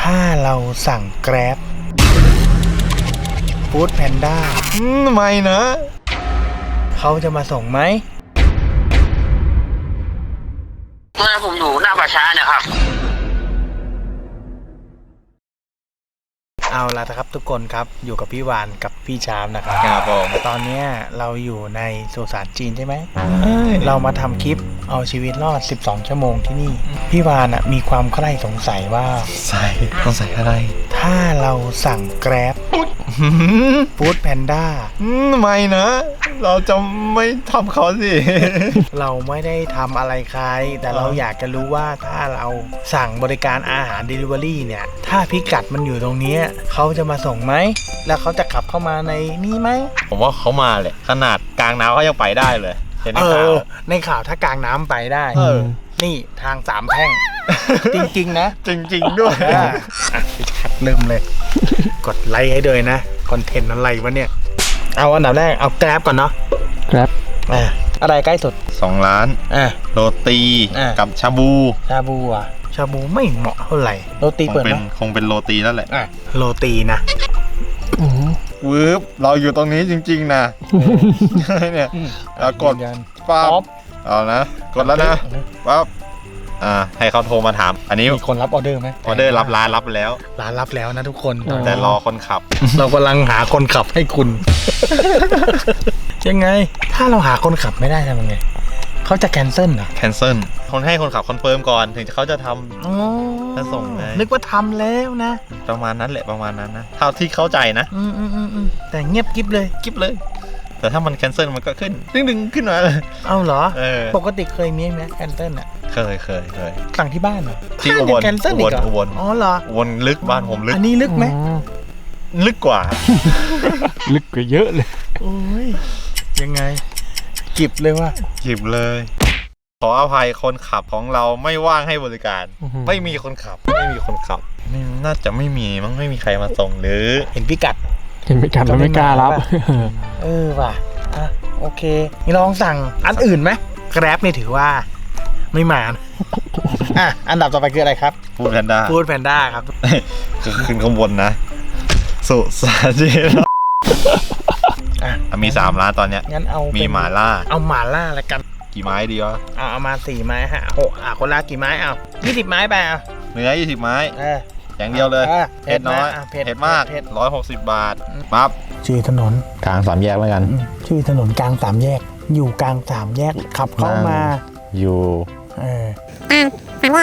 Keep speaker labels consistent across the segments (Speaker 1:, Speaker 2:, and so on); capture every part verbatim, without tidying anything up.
Speaker 1: ถ้าเราสั่งแกร็บฟู้ดแพนด้าไม่นะเขาจะมาส่งไหม
Speaker 2: เมื่อผมอยู่หน้าป่าช้าเนี่ยครับ
Speaker 1: เอาละครับทุกคนครับอยู่กับพี่วานกับพี่ชามนะครับ
Speaker 3: ครับผม
Speaker 1: ตอนนี้เราอยู่ในสุสานจีนใช่ไหมเรามาทำคลิปเอาชีวิตรอดสิบสองชั่วโมงที่นี่พี่วานมีความใคร่สงสัยว่า
Speaker 3: ใส่ต้องใส่อะไร
Speaker 1: ถ้าเราสั่งแกร็บฟู้ดแพนด้า
Speaker 3: ไม่นะ เราจะไม่ทำเขาสิ
Speaker 1: เราไม่ได้ทำอะไรใครแต่เราอยากจะรู้ว่าถ้าเราสั่งบริการอาหาร Delivery เนี่ยถ้าพิกัดมันอยู่ตรงนี้เขาจะมาส่งไหมแล้วเขาจะขับเข้ามาในนี่ไหม
Speaker 3: ผมว่าเขามาเลยขนาดกลางน้ำเขายังไปได้เลยเห็นใน
Speaker 1: เอ
Speaker 3: ข่าว
Speaker 1: อในข่าวถ้ากลางน้ำไปได้
Speaker 3: เออ
Speaker 1: นี่ทางสามแพร่ง จริงๆนะ
Speaker 3: จริงๆด้วย
Speaker 1: อ่ะพี่ชัดเริ่มเลย กดไลค์ให้ด้วยนะคอนเทนต์อะไรวะเนี่ยเอาอันดับแรกเอาแกร็บก่อนเนาะ
Speaker 4: ครับ
Speaker 1: อ่ะอะไรใกล้สุด
Speaker 3: สองล้าน
Speaker 1: อ่ะ
Speaker 3: โรตี
Speaker 1: อ่ะ
Speaker 3: กับชาบู
Speaker 1: ชาบูอ่ะชาบูไม่เหมาะเท่าไหร่โรตี
Speaker 3: คง
Speaker 1: เปิด
Speaker 3: เป็
Speaker 1: ไห
Speaker 3: น
Speaker 1: ม
Speaker 3: คงเป็นโรตีนั่นแหละ
Speaker 1: อ่ะโรตีนะ
Speaker 3: วืบเราอยู่ตรงนี้จริงๆนะเนี่ยเรากด
Speaker 1: ยืนยัน
Speaker 3: ปั๊
Speaker 1: ป๊อบ
Speaker 3: บเอานะกดแล้วนะปั๊บอ่าให้เขาโทรมาถาม อันนี้
Speaker 1: มีคนรับออเดอร์ไหม
Speaker 3: ออเดอร์รับร้านรับแล้ว
Speaker 1: ร้านรับแล้วนะทุกคน
Speaker 4: อ๋อ
Speaker 3: แต่รอคนขับ
Speaker 1: เรากำลังหาคนขับให้คุณ ยังไง ถ้าเราหาคนขับไม่ได้ทำยังไงเขาจะแคนเซิลเหรอ
Speaker 3: แคนเซิลคนให้คนขับคอนเฟิร์มก่อนถึงเขาจะทำ
Speaker 1: อ๋อ
Speaker 3: จะส่งไง
Speaker 1: นึกว่าทำแล้วนะ
Speaker 3: ประมาณนั้นแหละประมาณนั้นนะเท่าที่เข้าใจนะ
Speaker 1: อืมอืมอืมอืมแต่เงียบกิ๊บเลย
Speaker 3: กิ๊บเลย แต่ถ้ามันแคนเซิลมันก็ขึ้นดึงดึงๆขึ้นมาเลย
Speaker 1: เอาเหรอ
Speaker 3: เออ
Speaker 1: ปกติเคยมีไหมแคนเซิลอ่ะ
Speaker 3: เคยเคยเคย
Speaker 1: สั่งที่บ้านเหรอ
Speaker 3: ที่อุบล
Speaker 1: แคนเซิลอีกเหรอ
Speaker 3: อุบล
Speaker 1: อ๋อเหรอ
Speaker 3: วนลึกบ้านผมลึก
Speaker 1: อันนี้ลึกไหม
Speaker 3: ลึกกว่า
Speaker 4: ลึกกว่าเยอะเลย
Speaker 1: โอ้ยยังไงกิบเลยว่า
Speaker 3: จิบเลย ขออภัยคนขับของเราไม่ว่างให้บริการ
Speaker 4: อือฮึ
Speaker 3: ไม่มีคนขับไม่มีคนขับไม่น่าจะไม่มีมั้งไม่มีใครมาส่งหรือ
Speaker 1: เห็นพิกัด
Speaker 4: เห็นไม่กันแล้วไม่กล้ารับ
Speaker 1: เออว่ะอ่ะโอเคนี่ลองสั่งอันอื่นไหมแกร็บนี่ถือว่าไม่มานะ อ่ะอันดับต่อไปคืออะไรครับ
Speaker 3: พูดแพนด้า
Speaker 1: ฟู้ดแพนด้าครับ
Speaker 3: คือขึ้นข้างบนนะ สุสานจีน
Speaker 1: อ่ะ
Speaker 3: มีสามร้านตอนเนี้ย
Speaker 1: งั้นเอา
Speaker 3: มี
Speaker 1: เป็น
Speaker 3: หม่าล่า
Speaker 1: เอาหม่าล่าแล้วกัน
Speaker 3: กี่ไม้ดีวะ
Speaker 1: เอาเอามาสี่ไม้ฮะหกอ่ะคนละกี่ไม้เอายี่สิบไม้ไปเอา
Speaker 3: เนื้อยี่สิบไม้
Speaker 1: เออ
Speaker 3: อย่างเดียวเลย
Speaker 1: เออ
Speaker 3: เผ็ดน้อย
Speaker 1: อ่ะเผ็ด
Speaker 3: เผ็ดมาก
Speaker 1: เผ็ด
Speaker 3: ร้อยหกสิบบาทปั๊บ
Speaker 1: ชื่อถนน
Speaker 4: กลางสามแยกแล้วกัน
Speaker 1: อืมชื่อถนนกลางสามแยก อยู่กลางสามแยกขับเข้ามา
Speaker 4: อยู่
Speaker 1: เออ
Speaker 4: เพื่อ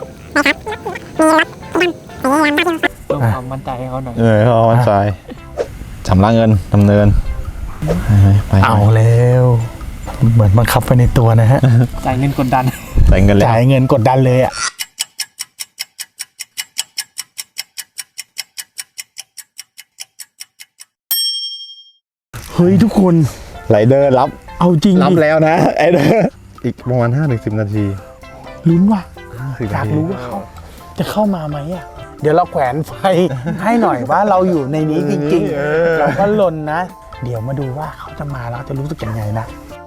Speaker 4: ความมั่นใจให้เขาหน่อย
Speaker 3: เออเขาวันใจชำระเงินดำเนินไป
Speaker 1: เอาแล้วเหมือนบังคับไปในตัวนะฮะ
Speaker 4: จ่ายเงินกดดัน
Speaker 3: ใส่เงินเลย
Speaker 1: จ่ายเงินกดดันเลยอ่ะเฮ้ยทุกคน
Speaker 3: ไรเดอร์รับ
Speaker 1: เอาจริง
Speaker 3: รับ
Speaker 1: ดิ
Speaker 3: แล้วนะไอเดอร์อีกประมาณห้าถึงสิบนาที
Speaker 1: ลุ้นว่ะ
Speaker 3: สิบ
Speaker 1: อยา
Speaker 3: นาที
Speaker 1: กรู้ว่าเขาจะเข้ามาไหมอ่ะ เดี๋ยวเราแขวนไฟ ให้หน่อยว่าเราอยู่ในนี้จริงๆ เราก็ลนนะ เดี๋ยวมาดูว่าเขาจะมาแล้วจะรู้สึกยังไงนะ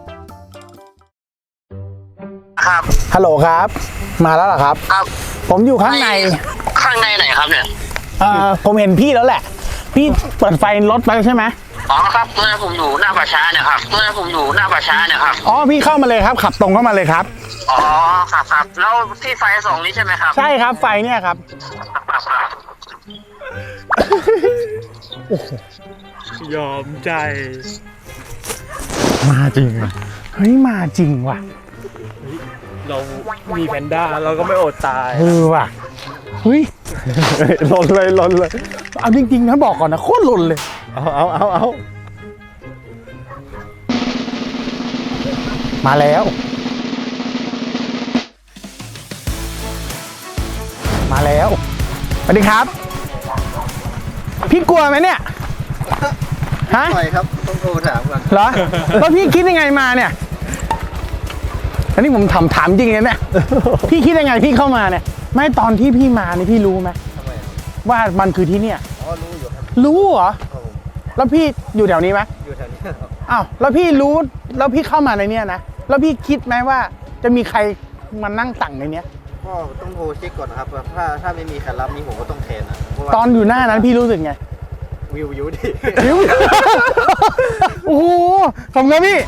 Speaker 2: ครับ
Speaker 1: ฮัลโหลครับ มาแล้วเหรอครับ
Speaker 2: ครับ
Speaker 1: ผมอยู่ข้างใน
Speaker 2: ข้างในไหนครับเนี่ย
Speaker 1: เอ่อผมเห็นพี่แล้วแหละ พี่เปิดไฟรถไปใช่ไหม
Speaker 2: อ๋อครับเมื่อผมอยู่หน้าป่าช้าเนี่ยครับเมื่อผมอยู่หน้าป่าช้าเนี่ยครับ
Speaker 1: อ๋อพี่เข้ามาเลยครับ ขับตรงเข้ามาเลยครับ
Speaker 2: อ๋อครับครับแล้วที่ไฟส่องนี้ใช่ไหมครับ
Speaker 1: ใช่ครับไฟเนี่ยครับ
Speaker 2: ครับครับ
Speaker 4: ยอมใจ
Speaker 3: มาจริง
Speaker 1: เฮ้ยมาจริงว่ะ
Speaker 4: เรามีแพนด้าเราก็ไม่อดตาย
Speaker 1: เออว่ะเฮ้ย
Speaker 3: ลนเลยลนเลย
Speaker 1: เอาจริงๆนะบอกก่อนนะโคตรหล่นเลย
Speaker 3: เอาเอาเอาเอา
Speaker 1: มาแล้ว มาแล้วสวัสดีครับ พี่กลัวไหมเนี่ยฮะ
Speaker 3: ไปครับต้องโทรถามก่อน
Speaker 1: เหรอแล้วพี่คิดยังไงมาเนี่ยอันนี้ผมถามถามจริงเลยเนี่ยพี่คิดยังไงพี่เข้ามาเนี่ยไม่ตอนที่พี่มานี่พี่รู้ไหมว่ามันคือที่เนี่ยอ๋อรู้อยู่ครับรู้เหรอแล้วพี่อยู่แถวนี้ไหมอยู่แถวนี้ครับอ้าวแล้วพี่รู้แล้วพี่เข้ามาในเนี้ยนะแล้วพี่คิดไหมว่าจะมีใครมานั่งสั่งในเนี้ย
Speaker 5: ก็ต้องโทรเช็คก่อนนะครับถ้าถ้าไม่มีใครรับนี่ผมก็ต้องแทนนะเพราะว่า
Speaker 1: ตอนอยู่หน้านั้นพี่รู้สึกไง
Speaker 5: วิววิวดิ
Speaker 1: หิว โอ้โหขอบคุณครับพี่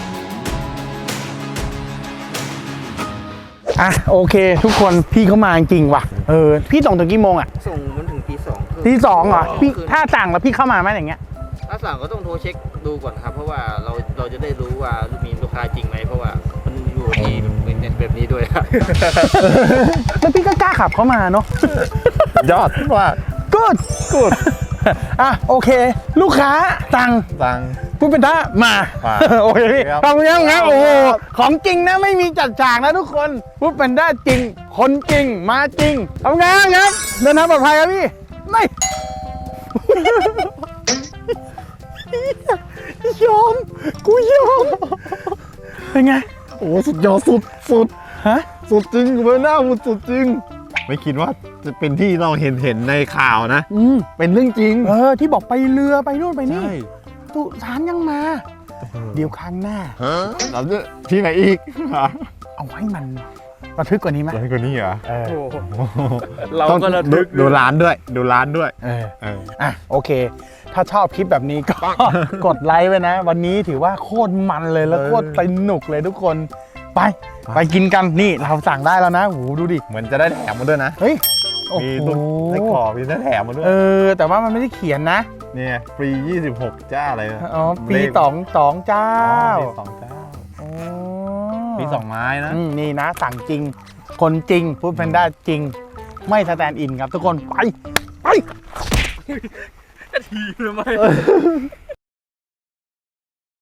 Speaker 1: อ่ะโอเค ทุกคนพี่เขามาจริงว่ะ เออ พี่ส่งถึงกี่โมงอ่ะ
Speaker 5: ส่งมันถึงตีสอง
Speaker 1: ทีสองเหรอ พี่ถ้าสั่งแล้วพี่เข้ามาไหมอย่างเงี้ย
Speaker 5: ถ้าสั่งก็ต้องโทรเช็คดูก่อนครับ เพราะว่าเราเราจะได้รู้ว่ามีลูกค้าจริงไหมเพราะว่ามันอยู่ที่เป็นแบบนี้ด้วยครับ
Speaker 1: แล้วพี่ก็กล้าขับเข้ามาเนาะ
Speaker 3: ยอดว่า
Speaker 1: กูดกูดอ่ะโอเค ลูกค้าสั่ง
Speaker 3: ตัง
Speaker 1: พูดเป็นท่ามา
Speaker 3: มา
Speaker 1: โอเคพี่
Speaker 3: ครับ
Speaker 1: ขอบคุณครับครับ
Speaker 3: ขอบ
Speaker 1: โอ้
Speaker 3: คุ
Speaker 1: โห
Speaker 3: ณครับ
Speaker 1: ของจริงนะไม่มีจัดฉากนะทุกคนพูดเป็นท่าจริง คนจริงมาจริงขอบคุณครับครับเดินทางปลอดภัยครับพี่ไม่ยอมกูยอมเป็นไง
Speaker 3: โอ้สุดยอดสุดสุด
Speaker 1: ฮะ
Speaker 3: สุดจริงเบอร์หน้าสุดสุดจริง ไม่คิดว่าจะเป็นที่เราเห็นเห็นในข่าวนะ
Speaker 1: อืม
Speaker 3: เป็นเรื่องจริง
Speaker 1: เออที่บอกไปเรือไปนู่นไปนี่
Speaker 3: ใช่
Speaker 1: สุสานยังมา เดี๋ยวครั้งหน้า
Speaker 3: เราจะที่ไหนอีก
Speaker 1: เอาให้มันระทึกกว่านี้ไหม
Speaker 3: ร้านคนนี้เหรอ
Speaker 1: เออ
Speaker 4: โอ้โหเราก็ระทึก
Speaker 3: ดูร้านด้วย ดูร้านด้วย
Speaker 1: เออ
Speaker 3: เออ
Speaker 1: อ่ะโอเค ถ้าชอบคลิปแบบนี้ก็ กดไลค์ไว้นะ วันนี้ถือว่าโคตรมันเลยแล้ว
Speaker 3: เออ
Speaker 1: โคตรสนุกเลยทุกคน ไป ไปกินกันนี่เราสั่งได้แล้วนะโหดูดิ
Speaker 3: เหมือนจะได้แถมมาด้วยนะ
Speaker 1: เฮ้ยโอ้
Speaker 3: มี
Speaker 1: โห
Speaker 3: ตุ๊กไส้กรอกมีได้แถมมาด้วย
Speaker 1: เออ แต่ว่ามันไม่ได้เขียนนะ
Speaker 3: เนี่ยฟรียี่สิบหกจ้าอะไรนะ
Speaker 1: อ๋อปี
Speaker 3: เลข
Speaker 1: สองสองเจ้า
Speaker 3: อ๋อปีสองเจ้า
Speaker 1: โอ้
Speaker 3: ปีสองไม้นะ
Speaker 1: อืมนี่นะ สั่งจริง คนจริงพูดแพนด้าจริง ไม่สแตนด์อินครับทุกคนไป ไป
Speaker 4: ทีทำไม